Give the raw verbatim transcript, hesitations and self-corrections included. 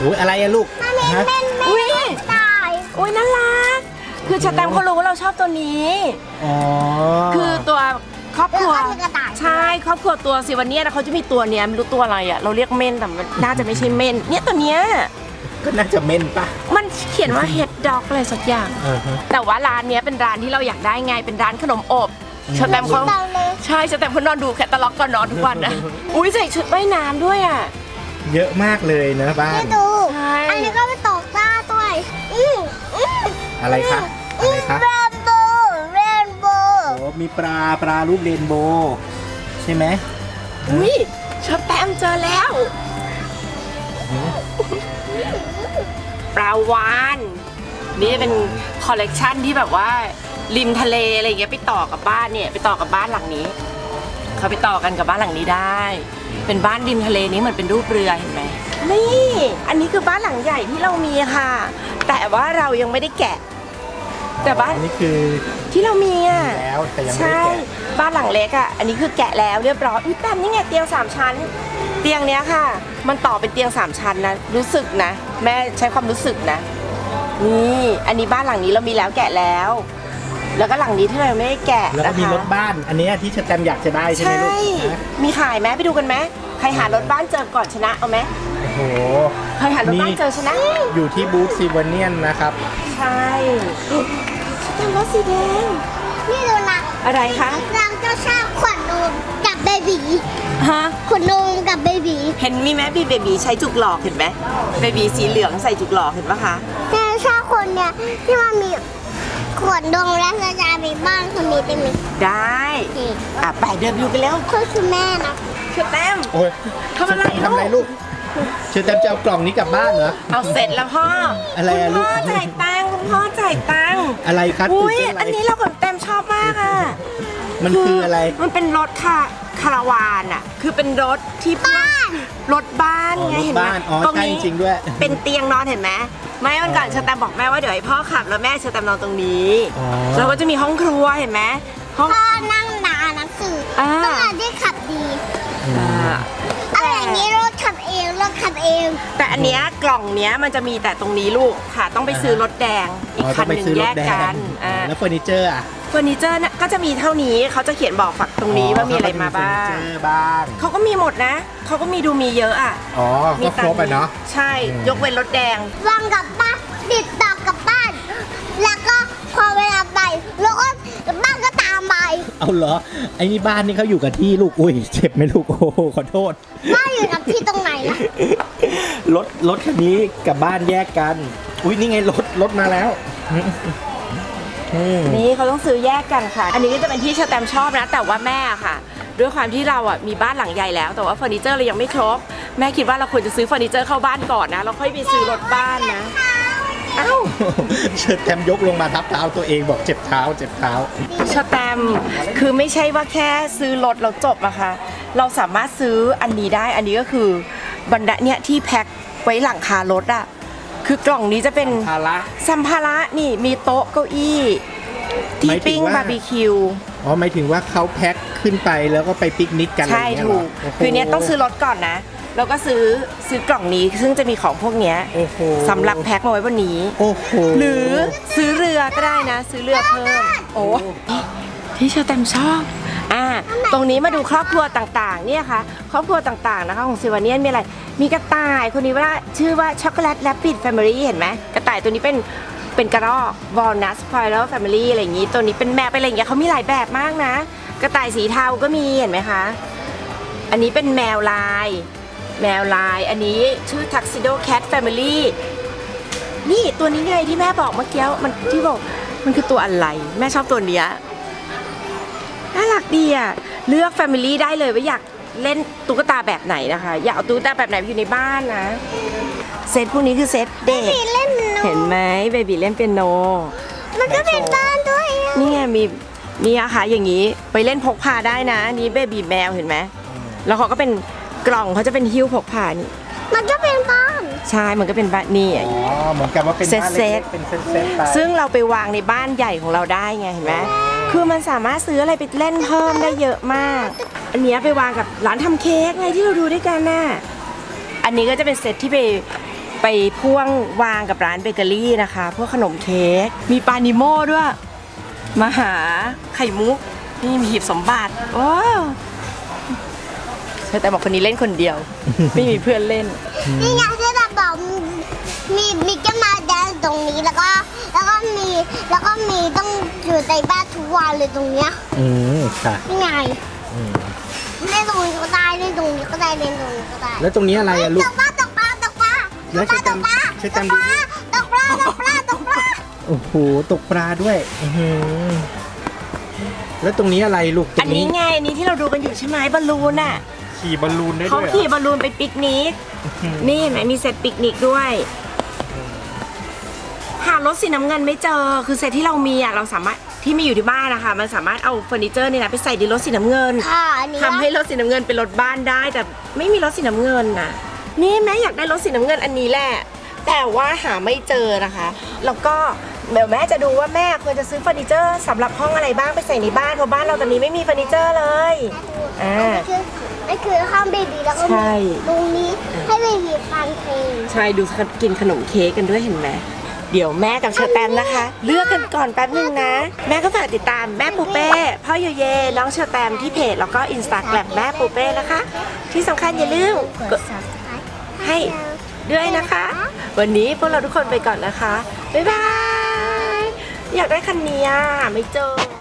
อ้ยอะไรอะลูกฮะอุ้ยตายอุ้ยน่ารักคือชาแตมเขารู้ว่าเราชอบตัวนี้อ๋อคือตัวครอบครัวใช่ครอบครัวตัวสิวันนี้นะเขาจะมีตัวเนี้ยไม่รู้ตัวอะไรอ่ะเราเรียกเม่นแต่มันน่าจะไม่ใช่เม่นเนี่ยตัวเนี้ยก็น่าจะเม่นปะมันเขียนว่าเฮดด็อกอะไรสักอย่างเออฮะแต่ว่าร้านเนี้ยเป็นร้านที่เราอยากได้ไงเป็นร้านขนมอบชาแตมเขาใช่ชาแตมเขานอนดูแคตตาล็อกก่อนนอนทุกวันนะอุ้ยใส่ชุดว่ายน้ำด้วยอ่ะเยอะมากเลยนะบ้านไม่ดูใช่อันนี้ก็ไปตกปลาด้วยอืมอืมอะไรคะอะไรคะเรนโบว์เรนโบว์โอ้มีปลาปลารูปเรนโบว์ใช่ไหมอุ้ยชาแตมเจอแล้วปลาวานนี่เป็นคอลเลกชันที่แบบว่าริมทะเลอะไรอย่างเงี้ยไปต่อกับบ้านเนี่ยไปต่อกับบ้านหลังนี้เขาไปต่อกันกับบ้านหลังนี้ได้ เป็นบ้านริมทะเลนี้เหมือนเป็นรูปเรือเห็นไหมนี่อันนี้คือบ้านหลังใหญ่ที่เรามีค่ะ แต่ว่าเรายังไม่ได้แกะ แต่บ้านอันนี้คือที่เรามีอ่ะแล้วแต่ยังไม่ใช่ได้แกะบ้านหลังเล็กอ่ะอันนี้คือแกะแล้วเรียบร้อยอุ้ยแต่นี่ไงเตียงสามชั้น เตียงเนี้ยค่ะ มันต่อเป็นเตียงสามชั้นนะรู้สึกนะ แม่ใช้ความรู้สึกนะนี่อันนี้บ้านหลังนี้เรามีแล้วแกะแล้ว แล้วก็หลังนี้ที่เรายังไม่ได้แกะแล้วก็นะคะมีรถบ้าน อันนี้ที่ชแตมป์อยากจะได้ใช่ไหมใช่ลูกฮะมีขายไหมไปดูกันไหมใครหารถบ้านเจอก่อนชนะเอาไหมโอ้โหใครหารถบ้านเจอชนะอยู่ที่บูธซิวเนียนนะครับใช่ชนะรถสีแดงนี่ดูนะอะไรคะเราจะชอบขนนมกับเบบีฮะขนนมกับเบบีเห็นมีไหมบีเบบีใช้จุกหลอกเห็นไหมเบบีสีเหลืองใส่จุกหลอกเห็นปะคะแต่ชอบคนเนี่ยที่มันมีขวดนมและกระจายไปบ้านคนนี้ได้ไหมได้นี่อ่ะไปเดินอยู่กันแล้วก็คือแม่นะเชื่อแต้มโอ้ยทำอะไรทำอะไรลูลูกกเชอแตมป์จะเอากล่องนี้กลับบ้านเหรอเอาเสร็จแล้วพ่ออะไรอะคุณพ่อลูกจ่ายตังค์คุณพ่อจ่ายตังค์อะไรครับอุ้ยตื่เต้อันนี้เรากับแต้มชอบมากอ่ะมันคืออะไรมันเป็นรถค่ะคาราวานอ่ะ คือเป็นรถที่บ้านรถบ้านอ๋อไงรถเห็นไหมบ้านอ๋อตรงใช่นี้จริงด้วยเป็นเตียงนอนเห็นไหมไม่วันก่อนเชอแตมบอกแม่ว่าเดี๋ยวให้พ่อขับแล้วแม่เชอแตมนอนตรงนี้อ๋อแล้วก็จะมีห้องครัวเห็นไหมห้องพ่อนั่งนานหนังสืออ่าต้องการที่ขับดีอ่าอะไรอย่างนี้รถขับเองรถขับเองแต่อันเนี้ยกล่องเนี้ยมันจะมีแต่ตรงนี้ลูกค่ะ ต้องไปซื้อรถแดงอีกอ๋อคัต้อน งไปหนึ่งซื้อแยรถกแดกังนอ่าแล้วเฟอร์นิเจอร์อ่ะเฟอร์นิเจอร์น่ะก็จะมีเท่านี้เขาจะเขียนบอกฝักตรงนี้ว่ามีอะไรมาบ้างเฟอร์นิเจอร์บ้างเขาก็มีหมดนะเขาก็มีดูมีเยอะอ่ะอ๋อ ก็ครบไปเนาะใช่อืมยกเว้นรถแดงวางกลับบ้านติดต่อกลับบ้าน แล้วก็พอเวลาไปรถบ้านก็ตามไปเอาเหรอ ไอ้นี่บ้านนี่เขาอยู่กับที่ลูก อุ้ย เจ็บไหมลูก โอ้โหขอโทษบ้านอยู่กับที่ตรงไหนล่ะรถรถคันนี้กับบ้านแยกกัน อุ้ยนี่ไงรถรถมาแล้วอืมนี่เขาต้องซื้อแยกกันค่ะ อันนี้ก็จะเป็นที่เชอแตมชอบนะ แต่ว่าแม่ค่ะ ด้วยความที่เราอ่ะมีบ้านหลังใหญ่แล้ว แต่ว่าเฟอร์นิเจอร์เรายังไม่ครบ แม่คิดว่าเราควรจะซื้อเฟอร์นิเจอร์เข้าบ้านก่อนนะแล้วค่อยไปซื้อรถบ้านนะเอ้าเชิดแตมยกลงมาทับเท้าตัวเองบอกเจ็บเท้าเจ็บเท้าเชอแตมคือไม่ใช่ว่าแค่ซื้อรถเราจบอะค่ะเราสามารถซื้ออันนี้ได้อันนี้ก็คือบรรดาเนี่ยที่แพ็คไว้หลังคารถอะคือกล่องนี้จะเป็นภาระสัมภาระนี่มีโต๊ะเก้าอี้ที่หมายถึงปิ้งว่าบาร์บีคิวอ๋อหมายถึงว่าเขาแพ็คขึ้นไปแล้วก็ไปปิกนิกกันอะไรใช่อย่างเงี้ยถูเหรกโโหคือเนี้ยต้องซื้อรถก่อนนะแล้วก็ซื้อซื้อกล่องนี้ซึ่งจะมีของพวกเนี้ยโอ้โหสำหรับแพ็คมาไว้บนนี้โอ้โหหรือซื้อเรือก็ได้นะ ซื้อเรือเพิ่มโอ้ที่เชอแตมชอบอ่าตรงนี้มาดูครอบครัวต่างๆเนี่ยค่ะครอบครัวต่างๆนะคะของซิวาเนียนมีอะไรมีกระต่ายคนนี้ว่าชื่อว่าช็อกโกแลตแรปปิดแฟมิลี่เห็นไหมกระต่ายตัวนี้เป็นเป็นกระรอกวอลนัทสปอยเลอร์แฟมิลี่อะไรอย่างนี้ตัวนี้เป็นแมวเป็นอะไรอย่างเงี้ยเขามีหลายแบบมากนะ กระต่ายสีเทาก็มีเห็นไหมคะอันนี้เป็นแมวลายแมวลายอันนี้ชื่อ Tuxedo Cat Family นี่ตัวนี้ไงที่แม่บอกเมื่อกี้มันที่บอกมันคือตัวอะไรแม่ชอบตัวเนี้ยน่ารักดีอ่ะเลือก Family ได้เลยว่าอยากเล่นตุ๊กตาแบบไหนนะคะอยากเอาตุ๊กตาแบบไหนไปอยู่ในบ้านนะเซตพวกนี้คือเซตเด็กมีเล่นโนเห็นไหมเบบีเล่นเปียโนมันก็เป็นบ้านด้วยอะนี่ไงมีนี่อะค่ะอย่างนี้ไปเล่นพกพาได้นะนี่เบบีแมวเห็นไหมแล้วเขาก็เป็นกล่องเขาจะเป็นหิ้วพกพานี่มันก็เป็นบ้านใช่มันก็เป็นบ้านนี่อ๋อเหมือนกับว่าเป็นบ้านเซเล็ตกๆเป็นเซตๆไปซึ่งเราไปวางในบ้านใหญ่ของเราได้ไงเห็นไหมคือมันสามารถซื้ออะไรไปเล่นเพิ่มได้เยอะมาก อันเนี้ยไปวางกับร้านทำเค้กไงที่เราดูด้วยกันน่ะอันนี้ก็จะเป็นเซตที่ไปไปพ่วงวางกับร้านเบเกอรี่นะคะ พวกขนมเค้กมีปานิโม่ด้วยมาหาไข่มุกนี่มีหีบสมบัติโอ้แต่บอกคนนี้เล่นคนเดียว ไม่มีเพื่อนเล่นนี่ไงที่เราบอกมีมีแก้มาแดนตรงนี้แล้วก็แล้วก็มีแล้วก็มีต้องอยู่ในบ้านทุกวันเลยตรงเนี้ยอืมค่ะนี่ไงอืมเล่นตรงนี้ก็ได้เล่นตรงนี้ก็ได้เล่นตรงนี้ก็ได้แล้วตรงนี้อะไรอะลูตกกปลาตกปลาตกปลาแล้วตกปลาใช้ตกปลาใช้ตตามกปลาตกปลาตกปลาตกปลาโอ้โหตกปลาด้วยอื้อหือแล้วตรงนี้อะไรลูกตรอันงนี้นี้ไงอันนี้ที่เราดูกันอยู่ใช่ไหมบอลลูนอ่ะขี่บอลลูนได้เขาด้วยเหรอขี่บอลลูนไปปิกนิกอืมนี่เห็นไหมมีเซตปิกนิกด้วย หารถสีน้ำเงินไม่เจอ คือเซตที่เรามีอ่ะเราสามารถที่มีอยู่ที่บ้านนะคะมันสามารถเอาเฟอร์นิเจอร์นี่นะไปใส่ในรถสีน้ำเงินค่ะอันนี้ทำให้รถสีน้ำเงินเป็นรถบ้านได้ แต่ไม่มีรถสีน้ำเงินน่ะ นี่แม่อยากได้รถสีน้ำเงินอันนี้แหละ แต่ว่าหาไม่เจอนะคะ แล้วก็เดี๋ยวแม่จะดูว่าแม่ควรจะซื้อเฟอร์นิเจอร์สำหรับห้องอะไรบ้างไปใส่ในบ้านเพราะบ้านเราตอนนี้ไม่มีเฟอร์นิเจอร์เลยอ่าอันนี้คืออันคือห้องเบบีแล้วก็ใช่มีตรงนี้ให้เบบีฟังเพลงใช่ดูกินขนมเค้กกันด้วยเห็นไหมเดี๋ยวแม่กับเชอร์แตมนะคะ เลือกกันก่อนแป๊บนึงนะ แม่ก็ฝากติดตามแม่ปูเป้พ่อโยเยน้องเชอร์แตมที่เพจแล้วก็อินสตาแกรมแม่ปูเป้นะคะ ที่สำคัญอย่าลืมกด ให้ด้วยนะคะ วันนี้พวกเราทุกคนไปก่อนนะคะ บ๊ายบาย อยากได้คันนี้อ่ะไม่เจอ